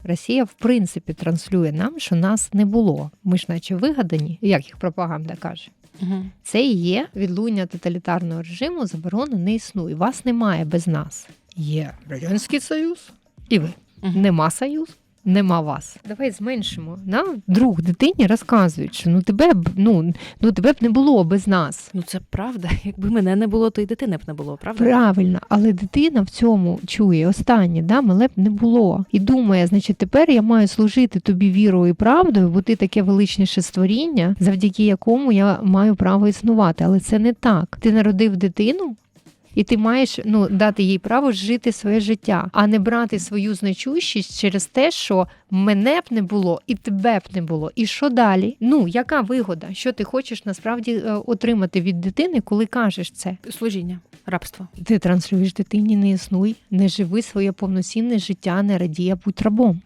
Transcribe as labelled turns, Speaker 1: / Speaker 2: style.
Speaker 1: Росія, в принципі, транслює нам, що нас не було. Ми ж наче вигадані, як їх пропаганда каже.
Speaker 2: Угу.
Speaker 1: Це і є відлуння тоталітарного режиму, заборони не існує. Вас немає без нас. Є Радянський Союз і ви. Нема Союзу. Нема вас. Давай зменшимо. Нам друг дитині розказують, що тебе б не було без нас.
Speaker 2: Це правда. Якби мене не було, то й дитини б не було, правда?
Speaker 1: Правильно, але дитина в цьому чує останнє, мене б не було. І думає, значить, тепер я маю служити тобі вірою і правдою, бо ти таке величніше створіння, завдяки якому я маю право існувати. Але це не так. Ти народив дитину, і ти маєш дати їй право жити своє життя, а не брати свою значущість через те, що мене б не було і тебе б не було. І що далі? Яка вигода? Що ти хочеш насправді отримати від дитини, коли кажеш це?
Speaker 2: Служіння, рабство.
Speaker 1: Ти транслюєш дитині: не існуй, не живи своє повноцінне життя, не радій, а будь рабом.